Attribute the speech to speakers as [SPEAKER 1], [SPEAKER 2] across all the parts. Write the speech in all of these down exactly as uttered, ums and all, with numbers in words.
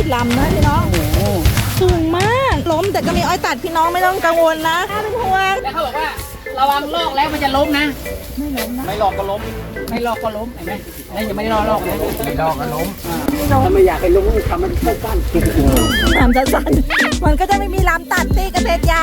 [SPEAKER 1] ลำนะพี่น้องสูงมากล้มแต่ก็มีอ้อยตัดพี่น้องไม่ต้องกังวลนะไม่เป็นห่วง
[SPEAKER 2] แล้วเขาบอกว่าระวังลอกแล้วมันจะล้มนะไม่ล้มนะไม่ลอกก็ล้มไม่ลอกก็ล้มเห็นไหมนี่ยังไม่ได้ลอกลอกนะไม่ลอกก็ล้มถ้าไม่อยากให้ล้มทำมันสั้นๆ
[SPEAKER 1] ทำสั้นๆมันก็จะไม่มีลำตัดตีกระเทศใหญ่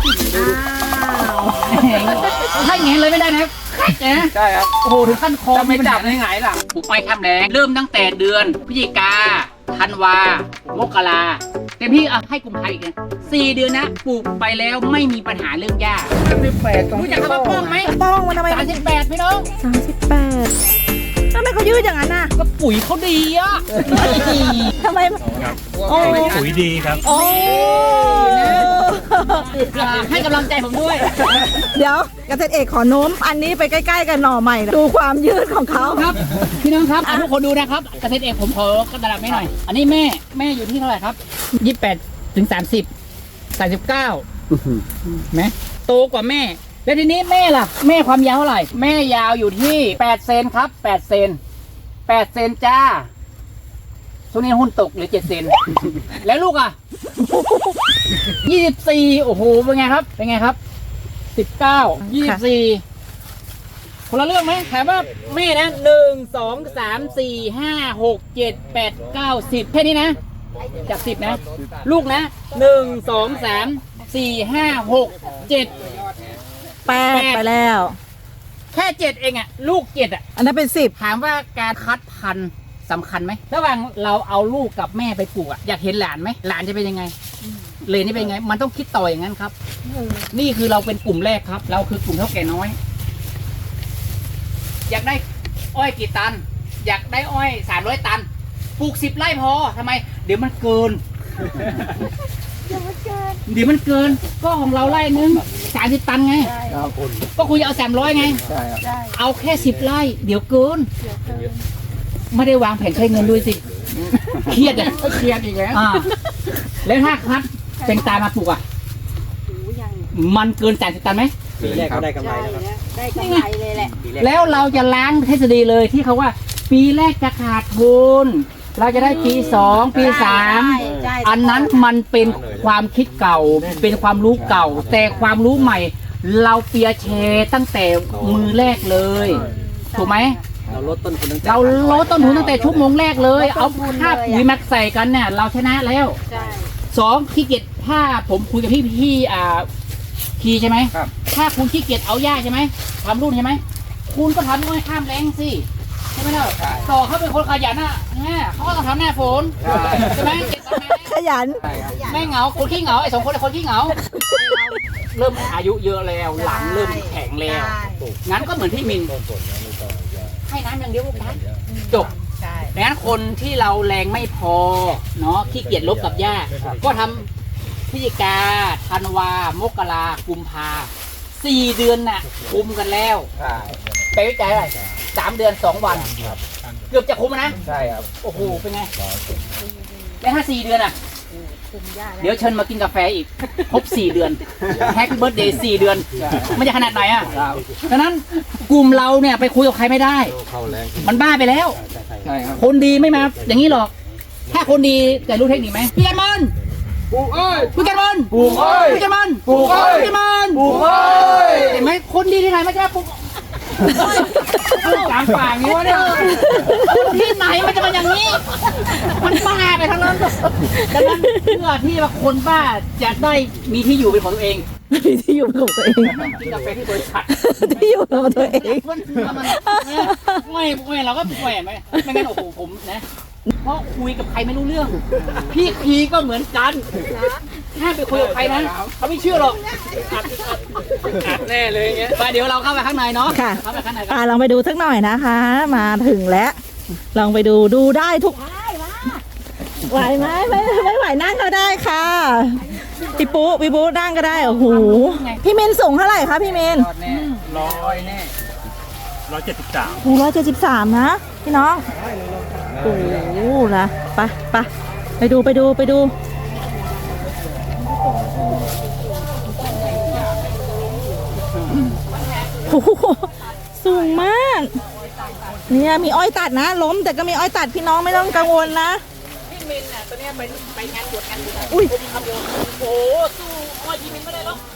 [SPEAKER 2] ถ้าอย่างนี้เลยไม่ได้นะใช่ครับโอ้โหถึงขั้นคอไม่จับได้ไงล่ะปลูกอ้อยข้ามแดงเริ่มตั้งแต่เดือนพฤศจิกาธันวามกราเต็มที่เอาให้กุมภาพันธ์อีกนะสี่เดือนนะปลูกไปแล้วไม่มีปัญหาเรื่องหญ้ารู้จักคำว่าป้องไหม
[SPEAKER 1] ป้องมันทำไม
[SPEAKER 2] สามสิบแปดพี่น้อง
[SPEAKER 1] สามสิบแปดทำไมเขายืดอย่างนั้นน่ะ
[SPEAKER 2] ก็ปุ๋ยเขาดีอ่ะ
[SPEAKER 1] ทำไม
[SPEAKER 3] โอ้ปุ๋ยดีครับ
[SPEAKER 1] โอ้
[SPEAKER 2] ให้กำลังใจผมด้วย
[SPEAKER 1] เดี๋ยวเกษตรเอกขอโน้มอันนี้ไปใกล้ๆกันหน่อใหม่ดูความยืดของเขา
[SPEAKER 2] ครับพี่น้องครับทุกคนดูนะครับเกษตรเอกผมขอกระดับไม่หน่อยอันนี้แม่แม่อยู่ที่เท่าไหร่ครับยี่สิบแปดถึงสามสิบสามสิบเก้าไหมโตกว่าแม่แล้วทีนี้แม่ล่ะแม่ความยาวเท่าไหร่แม่ยาวอยู่ที่แปดเซนครับแปดเซนแปดเซนจ้าช่วงนี้หุ้นตกเหลือเจ็ดเซนแล้วลูกอ่ะยี่สิบสี่โอ้โหเป็นไงครับเป็นไงครับสิบเก้ายี่สิบสี่คนละเรื่องไหมถามว่าแม่นะหนึ่งสองสามสี่ห้าหกเจ็ดแปดเก้าสิบแค่นี้นะจากสิบนะลูกนะหนึ่งสองสามสี่ห้าหกเจ็ด
[SPEAKER 1] แปดไปแล้ว
[SPEAKER 2] แค่เจ็ดเองอะลูกเจ็ดอะ
[SPEAKER 1] อันนั้นเป็นสิบ
[SPEAKER 2] ถามว่าการคัดพันธุ์สำคัญไหมระหว่างเราเอาลูกกับแม่ไปปลูกอะอยากเห็นหลานไหมหลานจะเป็นยังไงเลนนี่เป็นยังไงมันต้องคิดต่ออย่างนั้นครับนี่คือเราเป็นกลุ่มแรกครับเราคือกลุ่มเท่าแก่น้อยอยากได้อ้อยกี่ตันอยากได้อ้อยสามร้อยตันปลูกสิบไร่พอทำไมเดี๋ยวมันเกินเดี๋ยวมันเกินเดี๋ยวมันเกินก็ของเราไร่นึงสามสิบตันไงก็คุณจะเอาสามร้อยไงเอาแค่สิบไร่เดี๋ยวเกินไม่ได้วางแผนใช้เงินด้วยสิเครียดอ่ะเครียดอีกแล้วแล้วถ้าคัดเป็นตามาปลูกอ่ะมันเกินสามสิบตันไหม
[SPEAKER 4] ปีแรกก็ได้กำไรแล้วครับ
[SPEAKER 1] ได้กำไรเลยแหละ
[SPEAKER 2] แล้วเราจะล้างทฤษฎีเลยที่เขาว่าปีแรกจะขาดทุนเราจะได้ปีสองปีสามอันนั้นมันเป็นความคิดเก่าเป็นความรู้เก่าแต่ความรู้ใหม่เราเปียแชร์ตั้งแต่มือแรกเลยถูกไหม
[SPEAKER 4] เราลดต้นทุนตั้งแต่
[SPEAKER 2] เราลดต้นทุนตั้งแต่ชั่วโมงแรกเลยเอาค่าปุ๋ยมาใส่กันเนี่ยเราชนะแล้วสองขี้เกียจถ้าผมคุยกับพี่พี่อ่าคีใช่ไหมถ้าคุณขี้เกียจเอาหญ้าใช่ไหมทำรุ่นใช่ไหมคุณก็ทำด้วยข้ามแรงสิใช่ไหมล่ะต่อเขาเป็นคนขยันอ่ะเนี่ยเขาก็ต้องทำหน้าฝนใช่ไหม
[SPEAKER 1] ขยัน
[SPEAKER 2] ไม่เหงาคนขี้เหงาไอ้สองคนเป็นคนขี้เหงาเริ่มอายุเยอะแล้วหลังเริ่มแข็งแล้วงั้นก็เหมือนพี่มินให้น้ำอย่างเดียวลูกนะจบดังนั้นคนที่เราแรงไม่พอเนาะขี้เกียจลบกับหญ้าก็ทำพฤศจิกาธันวามกรากุมภาสี่เดือนน่ะคุมกันแล้วไปวิจัยอะไรสามเดือนสองวันเกือบจะคุมนะ
[SPEAKER 4] ใช่ครับ
[SPEAKER 2] โอ้โหเป็นไงแล้วถ้าสี่เดือนอ่ะเดี๋ยวเชิญมากินกาแฟอีกครบสี่เดือนแฮปปี้เบิร์ธเดย์สี่เดือนมันจะขนาดไหนอ่ะดังนั้นกลุ่มเราเนี่ยไปคุยกับใครไม่ได้มันบ้าไปแล้วคนดีไม่มาอย่างนี้หรอกถ้าคนดีแต่รู้เทคนิคไหมพี่กันมันปลูกอ้อยพี่กันมัน
[SPEAKER 4] ปลูกอ้อย
[SPEAKER 2] พี่กันมัน
[SPEAKER 4] ปลูกอ้อย
[SPEAKER 2] พี่กันมัน
[SPEAKER 4] ปลูกอ้อย
[SPEAKER 2] เห็นไหมคนดีที่ไหนไม่ใช่ปลูกกลางป่าอย่างนี้วะเนี่ยที่ไหนมันจะมาอย่างนี้มันบ้าไปทั้งนั้นดังนั้นเพื่อที่ว่าคนบ้าจะได้มีที่อยู่เป็นของตัวเอง
[SPEAKER 1] มีที่อยู่เป็นของตัวเอง
[SPEAKER 2] กินกาแฟที่บริษัท
[SPEAKER 1] ที่อยู่ของตัวเอง
[SPEAKER 2] ไม่ไม่เราก็แหวนไหมไม่งั้นโอ้โหผมนะเพราะคุยกับใครไม่รู้เรื่องพี่คีก็เหมือนกันถ้าไปคุยกับใครนะเขาไม่เชื่อหรอกอัดแน่เลยเงี้ยไปเดี๋ยวเราเข้าไปข้างในเนาะ
[SPEAKER 1] ค่ะเข้าไปข้างในอ่าลองไปดูสักหน่อยนะคะมาถึงแล้วลองไปดูดูได้ทุกไหวไหมไม่ไม่ไหวนั่งก็ได้ค่ะพี่ปุ๊พี่ปุ๊นั่งก็ได้โอ้โหพี่เมนสูงเท่าไหร่คะพี่เมน
[SPEAKER 2] ร้อยแน่
[SPEAKER 3] ร้อยเจ็ดสิบสาม
[SPEAKER 1] โอ้ร้อยเจ็ดสิบสามนะพี่น้องโอ้โหนะไปไปไปดูไปดูไปดูโอ้โหสูงมากเนี่ยมีอ้อยตัดนะล้มแต่ก็มีอ้อยตัดพี่น้องไม่ต้องกังวลนะ
[SPEAKER 2] พี่มินน่ะตัวเนี้ยไปไปงานบวชงานบวช
[SPEAKER 1] อุ้ย
[SPEAKER 2] ผมทำโยโอ้โหสู้อ้อยพี่มินไม่ได้หรอก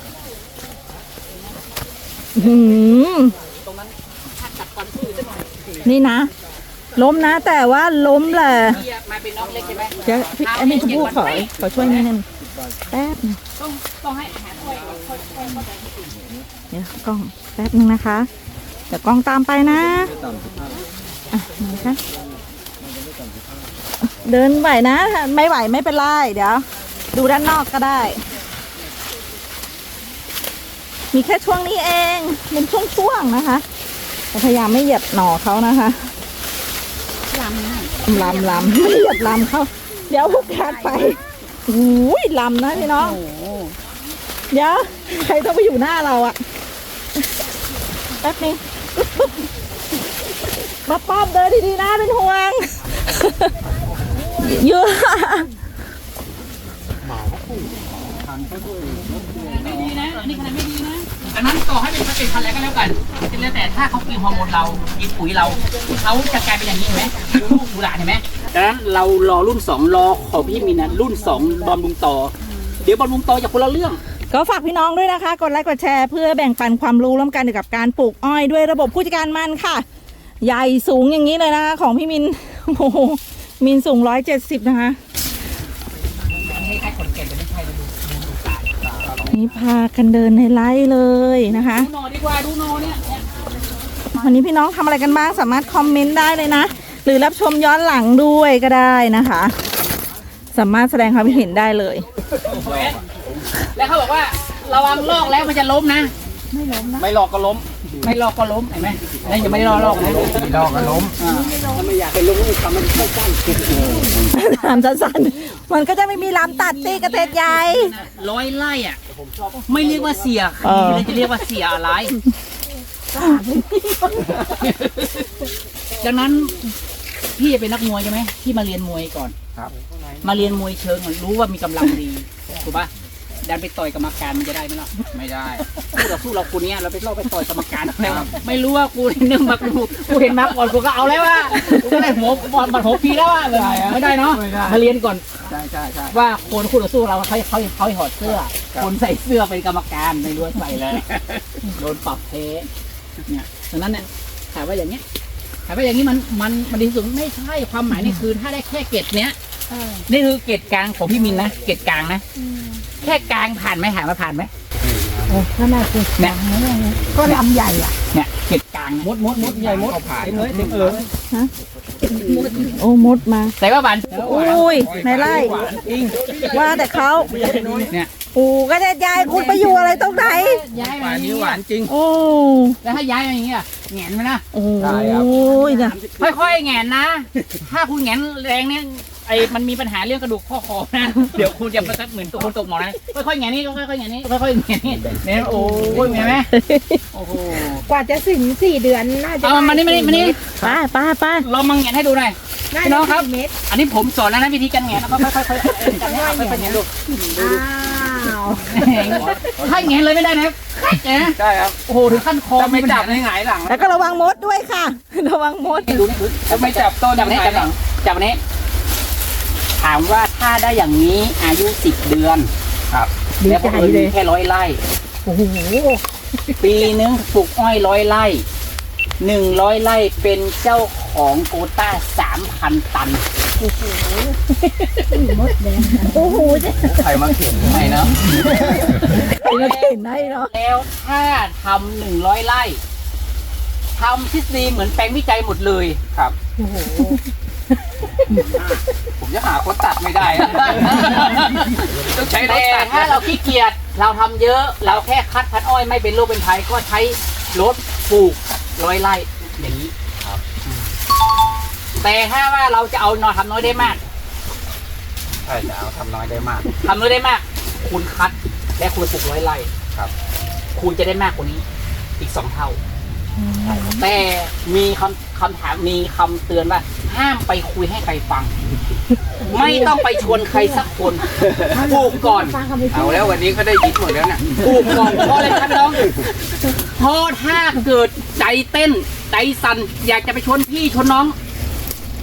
[SPEAKER 1] หืม
[SPEAKER 2] ตรงนั้นถ้ากัดฟันสู้สักหน่อย
[SPEAKER 1] นี่นะ ล้มนะ แต่ว่าล้มแหละ
[SPEAKER 2] พี่มาเป็นน้องเล็กใช่ไหม
[SPEAKER 1] เดี๋ยวพี่อันนี้คุณผู้ขอขอช่วยนิดนึงแป๊บนึง
[SPEAKER 2] ต้องต้องให้อาหารค่อยค่อยค่อยเข้าใจ
[SPEAKER 1] เดี๋ยวกล้องแป๊บนึงนะคะ เดี๋ยวกล้องตามไปนะอ่ะไหนคะเดินไหวนะ ไม่ไหวไม่เป็นไรเดี๋ยว ดูด้านนอกก็ได้ มีแค่ช่วงนี้เองเป็นช่วงๆนะคะแต่พยายามไม่เหยียบหน่อเขานะคะลำลำลำไม่เหยียบลำเขาเดี๋ยวพวกการไปอุ้ยลำนะพี่น้องเดี๋ยวใครต้องไปอยู่หน้าเราอะแป๊บนึงมาป้อมเดินดีๆนะเป็นห่วงเยอะ
[SPEAKER 2] ไม่ดีนะอันนี้ขนาดไม่ดีนะอันนั้นต่อให้เป็นเป็นพันธุ์อะไรก็แล้วกันแล้วแต่ถ้าเขากินฮอร์โมนเรากินปุ๋ยเราเขาจะกลายเป็นอย่างนี้เห็นไหมลูกดูหลานเห็นไหมดังนั้นเรารอรุ่นสองรอของพี่มินนะรุ่นสองบอมบุงต่อเดี๋ยวบอมบุงต่อจากคนละเรื่อง
[SPEAKER 1] ก็ฝากพี่น้องด้วยนะคะ กดไลค์กดแชร์เพื่อแบ่งปันความรู้ร่วมกันเกี่ยวกับการปลูกอ้อยด้วยระบบผู้จัดการมันค่ะ ใหญ่สูงอย่างนี้เลยนะคะ ของพี่มินโอ้โหมินสูงร้อยเจ็ดสิบนะคะ
[SPEAKER 2] ให้ให้คนแก่จะไม่ใช่ดูดูตา
[SPEAKER 1] นี่พากันเดินในไร่เลยนะคะ
[SPEAKER 2] ดูนอดีกว่าดูนอเนี่ย
[SPEAKER 1] วันนี้พี่น้องทำอะไรกันบ้างสามารถคอมเมนต์ได้เลยนะหรือรับชมย้อนหลังด้วยก็ได้นะคะ สามารถแสดงความคิดเห็นได้เลย
[SPEAKER 2] แล้วเขาบอกว่าระวังลอกแล้วมันจะล้มนะ ไม่ล้มนะไม่ลอกก็ล้ม ไม่ลอกก็ล้มเห็นไหมนี่ยังไม่ได้ลอกลอกนะไม่ลอกก็ล้มถ้าไม่อยากให้ล้มทำมันสั้น
[SPEAKER 1] ทำสั้นๆมันก็จะไม่มีลำตัดตีกระเทศใหญ่
[SPEAKER 2] ร้อยไร่อ่ะไม่เรียกว่าเสีย
[SPEAKER 1] เออ
[SPEAKER 2] เลยจะเรียกว่าเสียอะไรดังนั้นพี่จะเป็นนักมวยใช่ไหมพี่มาเรียนมวยก่อนครับมาเรียนมวยเชิงรู้ว่ามีกำลังดีถูกปะดันไปต่อยกรรมการมันจะได้ไหมล่ะไม่ได้คู่เราสู้เราคนนี้เราไปล่อไปต่อยกรรมการแต่ไม่รู้ว่ากูเนื่องมากูกูเห็นมาก่อนกูก็เอาแล้วว่ากูก็ได้หัวบอลบัดหัวปีแล้วว่าไม่ได้เนาะมาเรียนก่อนใช่ใช่ใช่ว่าคนคู่เราสู้เราเขาเขาเขาถอดเสื้อ คนใส่เสื้อเป็นกรรมการไม่รู้ใส่เลยโดนปรับเทเนี่ยดังนั้นเนี่ยถามว่าอย่างเนี้ยถามว่าอย่างนี้มันมันมันดีสุดไม่ใช่ความหมายนี่คือถ้าได้แค่เกรดเนี้ยนี่คือเกรดกลางของพี่มินนะเกรดกลางนะแค่กลางผ่านไหมถามว่าผ่านไหม
[SPEAKER 1] โอ้ขนาดเกล็ด
[SPEAKER 2] เนี่ย
[SPEAKER 1] ก็ลำใหญ่อ่ะ
[SPEAKER 2] เนี่ยเกรดกลางมดมดมดใหญ่มดผ่านเลยเต็มเออ
[SPEAKER 1] โอ้มดมา
[SPEAKER 2] แต่ว่าหวาน
[SPEAKER 1] อุ้ยในไร่ว่าแต่เขา
[SPEAKER 2] เนี่ย
[SPEAKER 1] ปูกระเทศใหญ่คุณไปอยู่อะไรตรงไหน
[SPEAKER 2] ย้ายมานี้หวานจริง
[SPEAKER 1] โอ้
[SPEAKER 2] แล้วถ้าย้ายมาอย่างเงี้ยแหงนไหมนะ
[SPEAKER 1] โอ้ยนะ
[SPEAKER 2] ค่อยๆแหงนนะ ถ้าคุณแหงนแรงเนี่ยไอ้มันมีปัญหาเรื่องกระดูกข้อคอนะเดี๋ยวคุณจะประทับเหมือนตัวคนตกหมอนนะค่อยๆแหงนนี่ค่อยๆแหงนนี่ค่อยๆแหงนนี่เนี่ยโอ้ยเห็นไหมโอ้โห
[SPEAKER 5] กว่าจะถึงสี่เดือนน่าจะ
[SPEAKER 2] เอามานี่มานี่มานี่
[SPEAKER 1] ไปไปไป
[SPEAKER 2] เรามาแหงนให้ดูหน่อย
[SPEAKER 5] ได้
[SPEAKER 2] พี่น้องครับ
[SPEAKER 5] เม็ด
[SPEAKER 2] อันนี้ผมสอนแล้วนะวิธีการแหงนแล้วก็ค่อยๆค่อยๆกันค่อยๆแหงนดู
[SPEAKER 5] อ้าว
[SPEAKER 2] ถ้าแหงนเลยไม่ได้นะนะใช่ครับโอ้โหถึงขั้นคอไม่จับในหงายหลัง
[SPEAKER 1] แล้วก็ระวังมดด้วยค่ะ ระวังมด
[SPEAKER 2] ดูนี่ดูถ้าไม่จับต้นจับนี้จับนี้จับนี้ถามว่าถ้าได้อย่างนี้อายุสิบเดือนครับแล้วก็มีแค่ร้อยไร่
[SPEAKER 1] โอ้โห
[SPEAKER 2] ปีนึงปลูกอ้อยร้อยไร่หนึ่งร้อยไร่เป็นเจ้าของโควต้าสามพันตัน
[SPEAKER 1] โอ้โหจะ
[SPEAKER 2] ใครมาเขียนให้เนาะ
[SPEAKER 1] ใครมาเห็นได้เนาะ
[SPEAKER 2] แล้วถ้าทำหนึ่งร้อยไร่ทำทฤษฎีเหมือนแปลงวิจัยหมดเลยครับผมจะหาคนตัดไม่ได้ ต้องใช้รถตัดถ้าเราขี้เกียจเราทำเยอะเราแค่คัดพันอ้อยไม่เป็นโรคเป็นภัยก็ใช้รถปลูกร้อยไร่อย่างนี้ครับ แต่ถ้าว่าเราจะเอานอนทำน้อยได้มากใช่จะเอาทำน้อยได้มากทำน้อยได้มาก คุณคัดและคุณปลูกร้อยไร่ครับ คุณจะได้มากกว่านี้อีกสองเท่า แต่มีคำคำถามมีคำเตือนว่าห้ามไปคุยให้ใครฟัง ไม่ต้องไปชวนใครสักคนปลูกก่อนเอาแล้ววันนี้เขาได้ยินหมดแล้วนะปลูกก่อนเพราะอะไรครับน้องเพราะถ้าเกิดใจเต้นใจสั่นอยากจะไปชวนพี่ชวนน้อง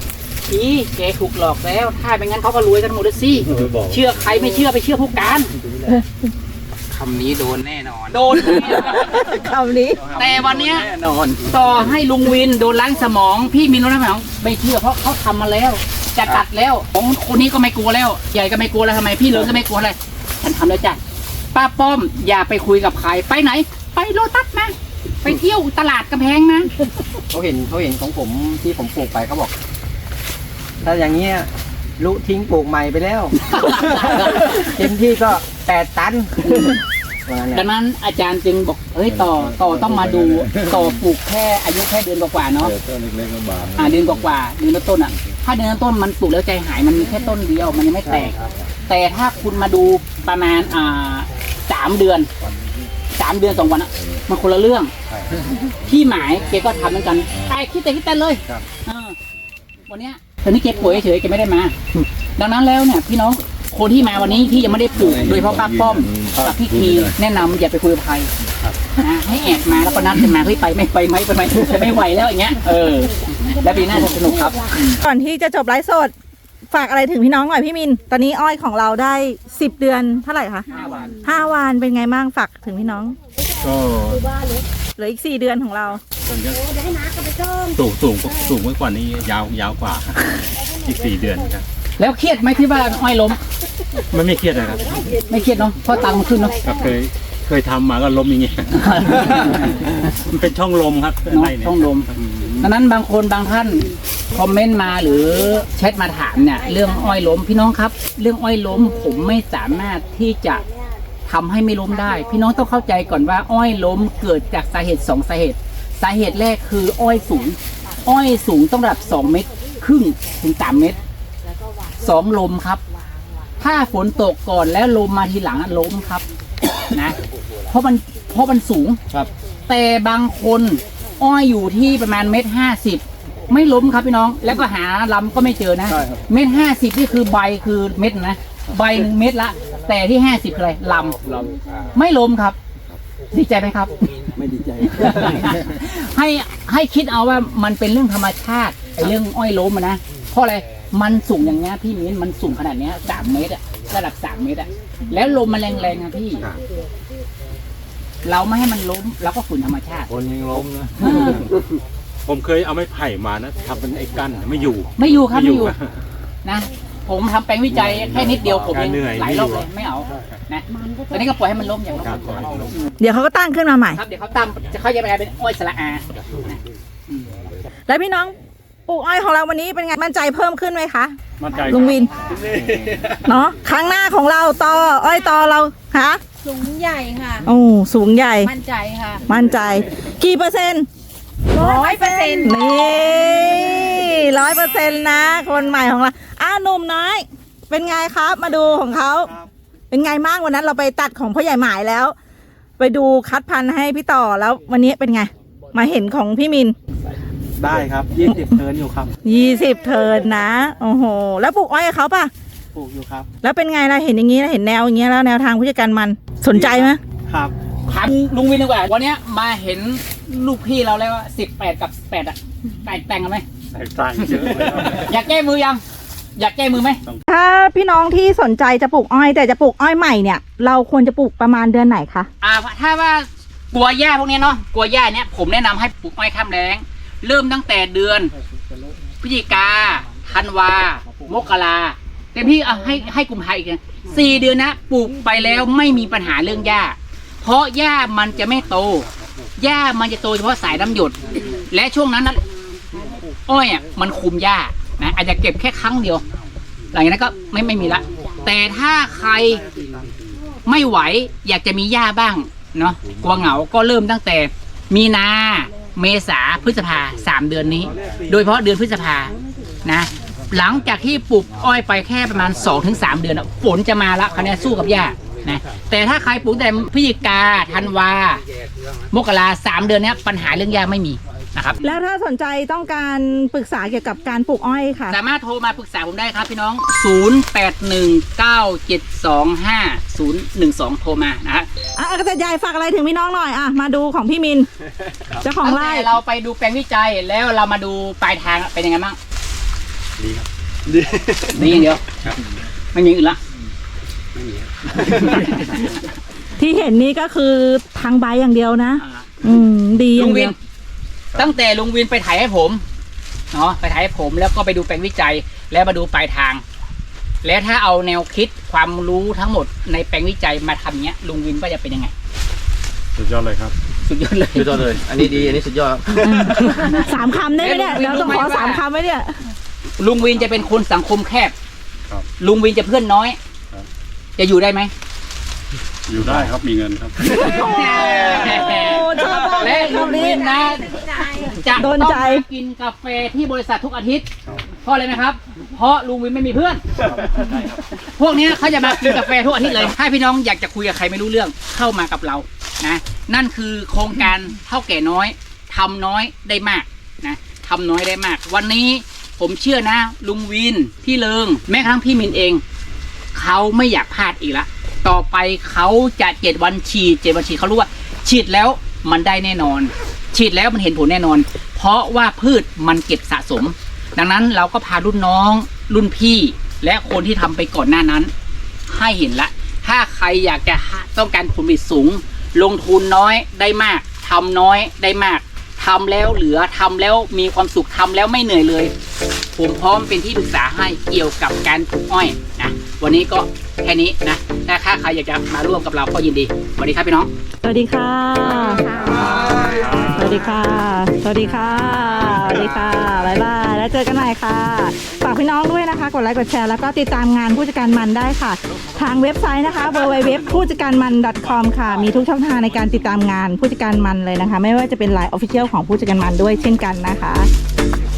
[SPEAKER 2] ทีแกถูกหลอกแล้ว ถ้าไม่งั้นเขาก็รวยกันหมดเลยสิเชื่อใครไม่เชื่อไปเชื่อผู้การคำนี้โดนแน่นอน โดน
[SPEAKER 1] คำนี้
[SPEAKER 2] แต่วันเนี้ย
[SPEAKER 4] แน่นอน
[SPEAKER 2] ต่อให้ลุงวินโดนล้างสมอง พี่มินโดนล้างสมองไม่เชื่อเพราะเขาทำมาแล้ว จะกัดแล้วของคนนี้ก็ไม่กลัวแล้ว ใหญ่ก็ไม่กลัวแล้วทำไมพี่เลิศก็ไม่กลัวอะไรฉันทำแล้วจ้ะป้าป้อมอย่าไปคุยกับใครไปไหน ไปโลตัสนะไปเที่ยวตลาดกำแพงนะ
[SPEAKER 4] เขาเห็นเขาเห็นของผมที่ผมปลูกไปเขาบอก ถ้าอย่างเงี้ยลุทิ้งปลูกใหม่ไปแล้ว เต็มที่ก็แปดตันว่างั้นแห
[SPEAKER 2] ดั
[SPEAKER 4] ละ
[SPEAKER 2] งนั้นอาจารย์จึงบอกเฮ้ยต่อต่อต้องมาดูต่อปลูกแค่อายุแค่เดือนกว่าๆเนาะอ่าเดือนกว่าๆเดือนละต้นอ่ะ ถ้าเดือนละต้นมันปลูกแล้วใจหายมันมีแค่ต้นเดียวมันยังไม่แตก แต่ถ้าคุณมาดูประมาณอ่าสามเดือนสามเดือนสองวันอ่ะมันคนละเรื่องพี่หมายแกก็ทำเหมือนกันไอ้คิดแต่คิดแต่เลยเออวันเนี้ยตอนนี้แกป่วยเฉยๆแกไม่ได้มา ดังนั้นแล้วเนี่ยพี่น้องคนที่มาวันนี้ที่ยังไม่ได้ปลูกโดยเฉพาะป้าป้อมกับพี่คีแนะนำอย่าไปคุยกับใครนะให้แอบมาแล้วก็นัดกันมาเฮ้ยไปไม่ไปไหมไปไหมไม่ไหวแล้วอย่างเงี้ยเออและปีหน้าจะสนุกครับ
[SPEAKER 1] ก่อนที่จะจบไลฟ์สดฝากอะไรถึงพี่น้องหน่อยพี่มิน ตอนนี้อ้อยของเราได้สิบเดือนเท่าไหร่คะ
[SPEAKER 2] ห้าวัน
[SPEAKER 1] ห้าวันเป็นไงบ้างฝากถึงพี่น้อง
[SPEAKER 3] ก็
[SPEAKER 1] เหลืออีกสี่เดือนของเรา
[SPEAKER 3] ผมจะสูงสูงสูงกว่านี้ยาวยาวกว่าครับอีกสี่เดือนครับ
[SPEAKER 2] แล้วเครียดไหมที่ว่าอ้อยล้ม
[SPEAKER 3] มันไม่เครียดนะครับ
[SPEAKER 2] ไม่เครียดเนาะเพราะตังค์มันขึ้นเนาะ
[SPEAKER 3] ก็เคยเคยทำมาก็ล้มอย่างเงี้ย มันเป็นช่องลมครับ
[SPEAKER 2] เนาะ
[SPEAKER 3] ไรเนี่ย
[SPEAKER 2] ต้องลมดังนั้นบางคนบางท่านคอมเมนต์มาหรือแชทมาถามเนี่ยเรื่องอ้อยล้มพี่น้องครับ เรื่องอ้อยล้มผมไม่สามารถที่จะทำให้ไม่ล้มได้ พี่น้องต้องเข้าใจก่อนว่าอ้อยล้มเกิดจากสาเหตุสองสาเหตุ สาเหตุแรกคืออ้อยสูง อ้อยสูงต้องระดับสองเมตรครึ่งถึงสามเมตรสองลมครับ ถ้าฝนตกก่อนแล้วลมมาทีหลังอะล้มครับ นะเพราะมันเพราะมันสูง
[SPEAKER 4] ครับ
[SPEAKER 2] แต่บางคนอ้อยอยู่ที่ประมาณเมตรห้าสิบไม่ล้มครับพี่น้อง แล้วก็หาลำก็ไม่เจอนะ
[SPEAKER 4] ใช่ครับ
[SPEAKER 2] เมตรห้าสิบนี่คือใบคือเม็ดนะใบหนึ่งเม็ดละ แต่ที่ห้าสิบคืออะไรลำ
[SPEAKER 4] เรา
[SPEAKER 2] ไม่ล้มครับ ดีใจไหมครับ
[SPEAKER 4] ไม่ดีใจ
[SPEAKER 2] ให้ให้คิดเอาว่ามันเป็นเรื่องธรรมชาติไอ้เรื่องอ้อยล้มอะนะเพราะอะไรมันสูงอย่างเงี้ยพี่มิ้นมันสูงขนาดเนี้ยสามเมตรอะระดับสามเมตรอะแล้วลมมันแรงๆอะพี่ เราไม่ให้มันล้มเราก็ฝืนธรรมชาติ
[SPEAKER 3] คนยังล้มนะ
[SPEAKER 2] อ่า
[SPEAKER 3] ผมเคยเอาไม้ไผ่มานะทำเป็นไอ้กั้นไม่อยู่
[SPEAKER 2] ไม่อยู่ครับ
[SPEAKER 3] ไม่
[SPEAKER 2] ไม่
[SPEAKER 3] อ
[SPEAKER 2] อยู่ ยู่นะผมทำแปลงวิจัยแค่นิดเดียวผมเอง
[SPEAKER 3] เหนื่อย
[SPEAKER 2] หลายรอบเลยไม่เอานะตอนนี้ก็ปล่อยให้มันล้มอย่างล้ม
[SPEAKER 3] ครับปล่อยให้มันล้ม
[SPEAKER 1] เดี๋ยวเขาก็ตั้งขึ้นมาใหม่
[SPEAKER 2] ครับเดี๋ยวเขาตามจะเขาจะไปกลายเป็นอ้อยสละอา
[SPEAKER 1] แล้วพี่น้องปลูกอ้อยของเราวันนี้เป็นไงมั่นใจเพิ่มขึ้นไหมคะ
[SPEAKER 3] มั่นใจ
[SPEAKER 1] ลุงวินเนาะครั้งหน้าของเราต่ออ้อยต่อเราคะ
[SPEAKER 5] สูงใหญ่ค่ะ
[SPEAKER 1] โอ้สูงใหญ่
[SPEAKER 5] มั่นใจค่ะ
[SPEAKER 1] มั่นใจ กี่เปอร์เซ็นต์
[SPEAKER 5] ร้อยเปอร์เซ็นต์
[SPEAKER 1] นี่ร้อยเปอร์เซ็นต์นะ คนใหม่ของเราอ้าวหนุ่มน้อย เป็นไงครับ มาดูของเขาเป็นไงบ้างวันนั้นเราไปตัดของพ่อใหญ่หมายแล้ว ไปดูคัดพันธุ์ให้พี่ต่อแล้ววันนี้เป็นไง มาเห็นของพี่มิน
[SPEAKER 4] ได้ครับยี่สิบเทิร์นอยู่ครับ
[SPEAKER 1] ยี่สิบเทิร์นนะโอ้โหแล้วปลูกอ้อยกับเขาป่ะ
[SPEAKER 4] ปลูกอยู่ครับ
[SPEAKER 1] แล้วเป็นไงล่ะเห็นอย่างนี้แล้วเห็นแนวอย่างเงี้ยแล้วแนวทางผู้จัดการมันสนใจไหม
[SPEAKER 4] ครับ
[SPEAKER 2] ถามลุงวินดีกว่าวันเนี้ยมาเห็นลูกพี่เราแล้วว่าสิบแปดกับแปดอะแตกแต่งกันไหม
[SPEAKER 3] แตกต่างเยอะเลยครับ
[SPEAKER 2] อยากแก้มือยัง อยากแก้มือไหม
[SPEAKER 1] ถ้าพี่น้องที่สนใจจะปลูกอ้อย แต่จะปลูกอ้อยใหม่เนี่ยเราควรจะปลูกประมาณเดือนไหนคะ
[SPEAKER 2] อ่าถ้าว่ากลัวหญ้าพวกนี้เนาะกลัวหญ้าเนี้ยผมแนะนำให้ปลูกอ้อยข้ามแล้งเริ่มตั้งแต่เดือนพฤศจิกาธันวามกราเต็มที่เอาให้ให้กุมภาอีกนะสี่เดือนนะปลูกไปแล้วไม่มีปัญหาเรื่องหญ้าเพราะหญ้ามันจะไม่โตหญ้ามันจะโตเฉพาะสายน้ำหยด และช่วงนั้นนะอ้อยอ่ะมันคุมหญ้านะอาจจะเก็บแค่ครั้งเดียว หลังจากนั้นก็ไม่ไม่มีละแต่ถ้าใครไม่ไหวอยากจะมีหญ้าบ้างเนาะกลัวเหงาก็เริ่มตั้งแต่มีนาเมษาพฤษภาสามเดือนนี้ โดยเฉพาะเดือนพฤษภานะหลังจากที่ปลูกอ้อยไปแค่ประมาณ สองถึงสาม เดือนอะฝนจะมาละคะแนนสู้กับหญ้านะแต่ถ้าใครปลูกแต่พฤศจิกาธันวามกราสามเดือนเนี้ยปัญหาเรื่องหญ้าไม่มีนะครับ
[SPEAKER 1] แล้วถ้าสนใจต้องการปรึกษาเกี่ยวกับการปลูกอ้อยค่ะ
[SPEAKER 2] สามารถโทรมาปรึกษาผมได้ครับพี่น้อง ศูนย์ แปด หนึ่ง เก้า เจ็ด สอง ห้า ศูนย์ หนึ่ง สอง โทรมานะฮะ
[SPEAKER 1] อ่ะเกษตรใหญ่ฝากอะไรถึงพี่น้องหน่อยอ่ะมาดูของพี่มินเจ้าของ
[SPEAKER 2] ตั้ง
[SPEAKER 1] ไร่
[SPEAKER 2] แต่เราไปดูแปลงวิจัยแล้วเรามาดูปลายทางเป็นยังไงบ้าง
[SPEAKER 3] ดีครับ
[SPEAKER 2] ดีอย่างเดียวไม่มีอื่นละ
[SPEAKER 3] ไม่มีครับ
[SPEAKER 1] ที่เห็นนี่ก็คือทางใบอย่างเดียวนะ
[SPEAKER 2] อ่า
[SPEAKER 1] อืมดีอ
[SPEAKER 2] ลุ
[SPEAKER 1] ย่าง ง
[SPEAKER 2] วิ
[SPEAKER 1] เดีย
[SPEAKER 2] น
[SPEAKER 1] ว
[SPEAKER 2] ตั้งแต่ลุงวินไปถ่ายให้ผมเนาะไปถ่ายให้ผมแล้วก็ไปดูแปลงวิจัยแล้วมาดูปลายทาง แล้วถ้าเอาแนวคิดความรู้ทั้งหมดในแปลงวิจัยมาทำเนี้ยลุงวินก็จะเป็นยังไง
[SPEAKER 3] สุดยอดเลยครับ
[SPEAKER 2] สุดยอดเลย
[SPEAKER 6] สุดยอดเลย อันนี้ดี อันนี้สุดยอดครับ
[SPEAKER 1] สามคำได้ไหมเนี่ยเราต้องขอสามคำไหมเนี่ย
[SPEAKER 2] ลุงวินจะเป็นคนสังคมแคบ
[SPEAKER 3] ครับ
[SPEAKER 2] ลุงวินจะเพื่อนน้อย
[SPEAKER 3] ครับ
[SPEAKER 2] จะอยู่ได้ไหม
[SPEAKER 3] อยู่ได้ครับมีเงินครับ
[SPEAKER 1] โอ้ชอบมากเล
[SPEAKER 2] และ
[SPEAKER 1] ย
[SPEAKER 2] ลุง
[SPEAKER 1] คำนี้
[SPEAKER 2] วินนะจะ
[SPEAKER 1] โด
[SPEAKER 2] ต้อง
[SPEAKER 1] นใจ
[SPEAKER 2] มากินกาแฟที่บริษัททุกอาทิตย์ เพราะอะไรไหมครับ เพราะลุงวินไม่มีเพื่อน พวกเนี้ยเขาจะมากินกาแฟทุกอาทิตย์เลย ถ้าพี่น้องอยากจะคุยกับใครไม่รู้เรื่องเข้ามากับเรานะ นั่นคือโครงการเท่าแก่น้อยทำน้อยได้มากนะทำน้อยได้มาก วันนี้ผมเชื่อนะ ลุงวินพี่เลิงแม้กระทั่งพี่มินเอง เขาไม่อยากพลาดอีกละต่อไปเขาจะเจ็ดวันฉีดเจ็ดวันฉีดเขารู้ว่า ฉีดแล้วมันได้แน่นอน ฉีดแล้วมันเห็นผลแน่นอน เพราะว่าพืชมันเก็บสะสม ดังนั้นเราก็พารุ่นน้องรุ่นพี่ และคนที่ทำไปก่อนหน้านั้น ให้เห็นละ ถ้าใครอยากจะต้องการผลผลิตสูง ลงทุนน้อยได้มากทำน้อยได้มากทำแล้วเหลือทำแล้วมีความสุขทำแล้วไม่เหนื่อยเลย ผมพร้อมเป็นที่ปรึกษาให้เกี่ยวกับการปลูกอ้อยนะวันนี้ก็แค่นี้นะถ้าใครอยากจะมาร่วมกับเราก็ยินดีสวัสดีครับพี่น้อง
[SPEAKER 1] สวัสดีค่ะ สวัสดีค่ะ สวัสดีค่ะ สวัสดีค่ะ บ๊ายบาย แล้วเจอกันใหม่ค่ะ ฝากพี่น้องด้วยนะคะ กดไลค์ กดแชร์ แล้วก็ติดตามงานผู้จัดการมันได้ค่ะ ทางเว็บไซต์นะคะ ดับเบิลยู ดับเบิลยู ดับเบิลยู ดอท ผู้จัดการมัน ดอท คอม ค่ะ มีทุกช่องทางในการติดตามงานผู้จัดการมันเลยนะคะ ไม่ว่าจะเป็นไลน์ Official ของผู้จัดการมันด้วยเช่นกันนะคะ